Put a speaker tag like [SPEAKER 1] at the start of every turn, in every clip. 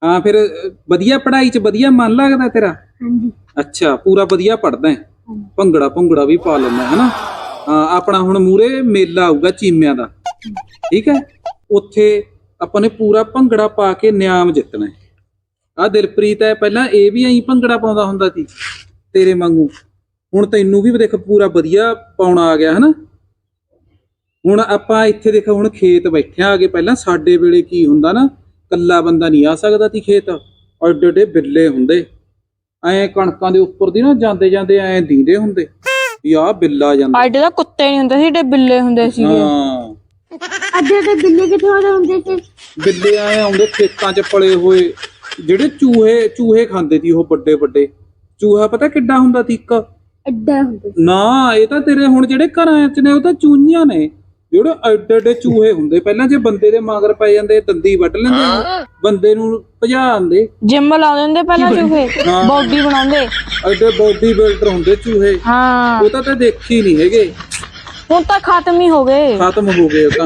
[SPEAKER 1] हाँ फिर वधिया पढ़ाई च वधिया मन लगदा तेरा? अच्छा पूरा वधिया पढ़दा है? भंगड़ा भुंगड़ा भी पा लेना है ना? हाँ अपना हुण मूरे मेला आऊगा चीमियां दा, ठीक है? उत्थे ਆਪਾਂ ਨੇ पूरा ਭੰਗੜਾ ਪਾ ਕੇ ਨਿਆਮ ਜਿੱਤਣਾ ਹੈ। ਆ ਦਿਲਪ੍ਰੀਤ ਹੈ ਪਹਿਲਾਂ ਇਹ ਵੀ ਐਂ ਭੰਗੜਾ ਪਾਉਂਦਾ ਹੁੰਦਾ ਸੀ ਤੇਰੇ ਵਾਂਗੂ, ਹੁਣ ਤੈਨੂੰ ਵੀ ਦੇਖ ਪੂਰਾ ਵਧੀਆ ਪਾਉਣਾ ਆ ਗਿਆ ਹਨਾ। ਹੁਣ ਆਪਾਂ ਇੱਥੇ ਦੇਖ ਹੁਣ ਖੇਤ ਬੈਠੇ ਆਗੇ, ਪਹਿਲਾਂ ਸਾਡੇ ਵੇਲੇ ਕੀ ਹੁੰਦਾ ਨਾ ਕੱਲਾ ਬੰਦਾ ਨਹੀਂ ਆ ਸਕਦਾ ਸੀ ਖੇਤ, ਐਡੇ ਐਡੇ ਬਿੱਲੇ ਹੁੰਦੇ ਐ ਕਣਕਾਂ ਦੇ ਉੱਪਰ ਦੀ ਨਾ ਜਾਂਦੇ ਜਾਂਦੇ ਐ ਦੀਂਦੇ ਹੁੰਦੇ ਵੀ ਆਹ ਬਿੱਲਾ ਜਾਂਦਾ।
[SPEAKER 2] ਐਡੇ ਤਾਂ ਕੁੱਤੇ ਨਹੀਂ ਹੁੰਦੇ ਸੀ, ਏਡੇ ਬਿੱਲੇ ਹੁੰਦੇ ਸੀਗੇ।
[SPEAKER 1] ਹਾਂ
[SPEAKER 3] ਅੱਡੇ ਅੱਡੇ ਬਿੱਲੇ ਕਿੱਥੇ ਹੁੰਦੇ ਸੀ?
[SPEAKER 1] ਬਿੱਲੇ ਆਏ ਆਉਂਦੇ ਖੇਤਾਂ 'ਚ ਪਲੇ ਹੋਏ, ਜਿਹੜੇ ਚੂਹੇ ਖਾਂਦੇ ਸੀ ਉਹ ਵੱਡੇ ਵੱਡੇ ਚੂਹਾ, ਪਤਾ ਕਿੱਡਾ ਹੁੰਦਾ ਸੀ ਇੱਕ
[SPEAKER 3] ਅੱਡਾ ਹੁੰਦਾ
[SPEAKER 1] ਨਾ। ਇਹ ਤਾਂ ਤੇਰੇ ਹੁਣ ਜਿਹੜੇ ਘਰਾਂ 'ਚ ਨੇ ਉਹ ਤਾਂ ਚੂਹੀਆਂ ਨੇ, ਜਿਹੜੇ ਐਡੇ ਐਡੇ ਚੂਹੇ ਹੁੰਦੇ। ਪਹਿਲਾਂ ਜੇ ਬੰਦੇ ਦੇ ਮਗਰ ਪੈ ਜਾਂਦੇ ਦੰਦੀ ਵੱਢ ਲੈਂਦੇ, ਬੰਦੇ ਨੂੰ ਭਜਾ ਦਿੰਦੇ।
[SPEAKER 2] ਜਿਮ ਲਾ ਦਿੰਦੇ ਪਹਿਲਾਂ ਚੂਹੇ, ਬੋਡੀ ਬਣਾਉਂਦੇ,
[SPEAKER 1] ਐਡੇ ਬੋਡੀ ਬਿਲਡਰ ਹੁੰਦੇ ਚੂਹੇ।
[SPEAKER 2] ਹਾਂ
[SPEAKER 1] ਉਹ ਤਾਂ ਦੇਖੀ ਨਹੀਂ ਹੈਗੇ,
[SPEAKER 2] ਹੁਣ ਤਾਂ ਖਤਮ ਹੀ ਹੋ ਗਏ।
[SPEAKER 1] ਖਤਮ ਹੋ ਗਏ ਉਹ ਤਾਂ।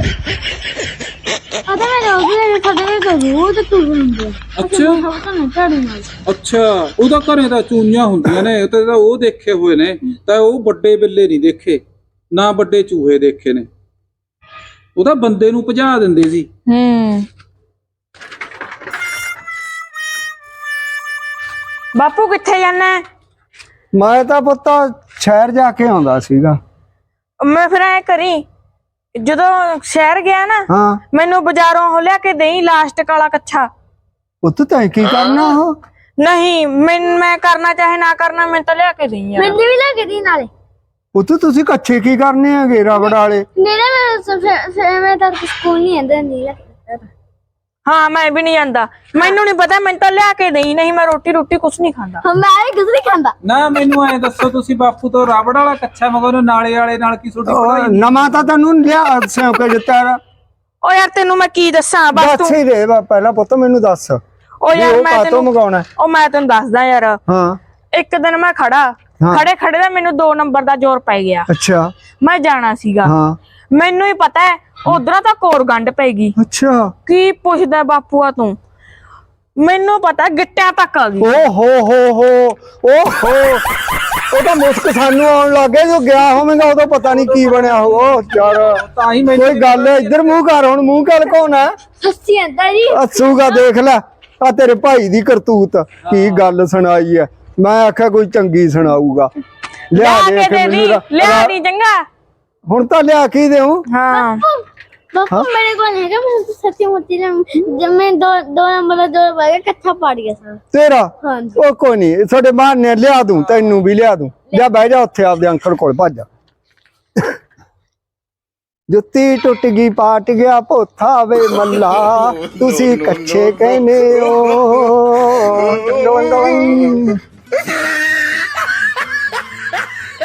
[SPEAKER 3] ਪਤਾ ਮੈਂ ਰੋਜ਼ ਸਾਡੇ ਘਰ ਰੋਜ਼ ਤੁਰ ਹੁੰਦੇ।
[SPEAKER 1] ਅੱਛਾ ਉਹਦਾ ਘਰੇ ਤਾਂ ਚੂਹੀਆਂ ਹੁੰਦੀਆਂ ਨੇ, ਤੇ ਤਾਂ ਉਹ ਦੇਖੇ ਹੋਏ ਨੇ, ਤਾਂ ਉਹ ਵੱਡੇ ਬਿੱਲੇ ਨਹੀਂ ਦੇਖੇ ਨਾ ਵੱਡੇ ਚੂਹੇ ਦੇਖੇ ਨੇ। ਉਹ ਤਾਂ ਬੰਦੇ ਨੂੰ ਭਜਾ ਦਿੰਦੇ ਸੀ।
[SPEAKER 2] ਬਾਪੂ ਕਿੱਥੇ ਜਾਣਾ?
[SPEAKER 4] ਮੈਂ ਤਾਂ ਪੁੱਤ ਸ਼ਹਿਰ ਜਾ ਕੇ ਆਉਂਦਾ ਸੀਗਾ।
[SPEAKER 2] ਮੈਂ ਫਿਰ ਐ ਕਰੀ, ਜਦੋਂ ਸ਼ਹਿਰ ਗਿਆ ਨਾ
[SPEAKER 4] ਹਾਂ
[SPEAKER 2] ਮੈਨੂੰ ਬਾਜ਼ਾਰੋਂ ਉਹ ਲਿਆ ਕੇ ਦੇਈ ਲਾਸਟਿਕ ਵਾਲਾ ਕੱਛਾ।
[SPEAKER 4] ਪੁੱਤ ਤੈਂ ਕੀ ਕਰਨਾ? ਉਹ
[SPEAKER 2] ਨਹੀਂ ਮੈਂ ਕਰਨਾ ਚਾਹੇ ਨਾ ਕਰਨਾ, ਮੈਂ ਤਾਂ ਲਿਆ ਕੇ ਦੇਈ ਯਾਰ।
[SPEAKER 3] ਮੈਨੂੰ ਵੀ ਲੈ ਕੇ ਦੀ ਨਾਲੇ।
[SPEAKER 4] ਪੁੱਤ ਤੁਸੀਂ ਕੱਛੇ ਕੀ ਕਰਨੇ ਹੈਗੇ ਰਬੜ ਵਾਲੇ?
[SPEAKER 3] ਮੈਂ ਤਾਂ ਸਕੂਲ ਨਹੀਂ ਆਂਦਾ ਨਹੀਂ ਲੈ ਕੇ।
[SPEAKER 2] ਹਾਂ ਮੈਂ ਵੀ ਨਹੀਂ ਜਾਂਦਾ, ਮੈਨੂੰ ਨਹੀਂ ਪਤਾ, ਮੈਨੂੰ ਤਾਂ ਲਿਆ ਕੇ ਦੇਈ, ਨਹੀਂ ਮੈਂ ਰੋਟੀ ਕੁਛ ਨਹੀਂ ਖਾਂਦਾ।
[SPEAKER 3] ਮੈਂ ਵੀ ਕੁਝ ਨਹੀਂ ਖਾਂਦਾ।
[SPEAKER 1] ਨਾ ਮੈਨੂੰ ਐ ਦੱਸੋ ਤੁਸੀਂ ਬਾਪੂ ਤੋਂ ਰਬੜ ਵਾਲਾ ਕੱਛਾ ਮਗਰੋਂ ਨਾਲੇ ਵਾਲੇ ਨਾਲ ਕੀ ਛੋਟੀ ਪੜਾਈ?
[SPEAKER 4] ਨਵਾਂ ਤਾਂ ਤੈਨੂੰ ਲਿਆ ਸਿਉਂ ਕੇ ਦਿੱਤਾ।
[SPEAKER 2] ਓ ਯਾਰ ਤੈਨੂੰ ਮੈਂ ਕੀ ਦੱਸਾਂ, ਬਸ
[SPEAKER 4] ਦੱਸ ਹੀ ਦੇ ਪਹਿਲਾਂ ਪੁੱਤ ਮੈਨੂੰ ਦੱਸ।
[SPEAKER 2] ਓ ਯਾਰ ਮੈਂ
[SPEAKER 4] ਤੈਨੂੰ ਮੰਗਾਉਣਾ?
[SPEAKER 2] ਓ ਮੈਂ ਤੈਨੂੰ ਦੱਸਦਾ ਯਾਰ।
[SPEAKER 4] ਹਾਂ
[SPEAKER 2] ਇੱਕ ਦਿਨ ਮੈਂ ਖੜੇ ਦਾ ਮੈਨੂੰ 2 ਨੰਬਰ ਦਾ ਜ਼ੋਰ ਪੈ ਗਿਆ।
[SPEAKER 4] ਅੱਛਾ
[SPEAKER 2] ਮੈਂ ਜਾਣਾ ਸੀਗਾ,
[SPEAKER 4] ਹਾਂ
[SPEAKER 2] ਮੈਨੂੰ ਹੀ ਪਤਾ ਹੈ ਉਧਰੋਂ ਤਾਂ ਕੋਰ ਗੰਢ ਪੈਗੀ।
[SPEAKER 4] ਅੱਛਾ
[SPEAKER 2] ਕੀ ਪੁੱਛਦਾ ਬਾਪੂਆ ਤੂੰ, ਮੈਨੂੰ ਪਤਾ ਗਿੱਟਿਆਂ ਤੱਕ ਆ ਗਈ।
[SPEAKER 4] ਓ ਹੋ ਉਹ ਤਾਂ ਮੁਸਕ ਸਾਨੂੰ ਆਉਣ ਲੱਗੇ, ਜੋ ਗਿਆ ਹੋਵੇਗਾ ਉਦੋਂ ਪਤਾ ਨਹੀਂ ਕੀ ਬਣਿਆ ਹੋ। ਯਾਰ
[SPEAKER 1] ਤਾਂ ਹੀ
[SPEAKER 4] ਕੋਈ ਗੱਲ ਇੱਧਰ ਮੂੰਹ ਕਰ, ਹੁਣ ਮੂੰਹ ਕਰ ਕੌਣ ਹੈ?
[SPEAKER 3] ਸੱਚੀ ਆਂਦਾ ਜੀ
[SPEAKER 4] ਹੱਸੂਗਾ ਦੇਖ ਲੈ ਆ ਤੇਰੇ ਭਾਈ ਦੀ ਕਰਤੂਤ। ਕੀ ਗੱਲ ਸੁਣਾਈ ਐ? ਮੈਂ ਆਖਿਆ ਕੋਈ ਚੰਗੀ ਸੁਣਾਊਗਾ। ਲਿਆ ਦੇ
[SPEAKER 2] ਲਿਆ ਦੀ ਚੰਗਾ।
[SPEAKER 4] ਹੁਣ ਤਾਂ ਲਿਆ ਕੀ ਦੇਉ?
[SPEAKER 2] ਹਾਂ
[SPEAKER 3] ਬਾਪੂ ਮੇਰੇ ਕੋਲ ਹੈਗਾ, ਮੈਂ ਸੱਚੀ ਮੁੱਚੀ ਜਦ ਮੈਂ 2 ਨੰਬਰ ਦਾ ਜੋਰ ਪਾ ਕੇ ਕੱਥਾ ਪਾੜ ਗਿਆ ਸਾਰਾ
[SPEAKER 4] ਤੇਰਾ।
[SPEAKER 3] ਹਾਂਜੀ
[SPEAKER 4] ਉਹ ਕੋਈ ਨਹੀਂ, ਸਾਡੇ ਬਾਹਰ ਨੇ ਲਿਆ ਦੂੰ, ਤੈਨੂੰ ਵੀ ਲਿਆ ਦੂੰ। ਜਾ ਬਹਿ ਜਾ ਉੱਥੇ ਆਪਦੇ ਅੰਕਲ ਕੋਲ, ਭੱਜ ਜਾ। ਜੁੱਤੀ ਟੁੱਟ ਗਈ ਪਾਟ ਗਿਆ ਪੋਥਾ ਵੇ ਮੱਲਾ, ਤੁਸੀਂ ਕੱਛੇ ਕਹਿੰਦੇ ਹੋ।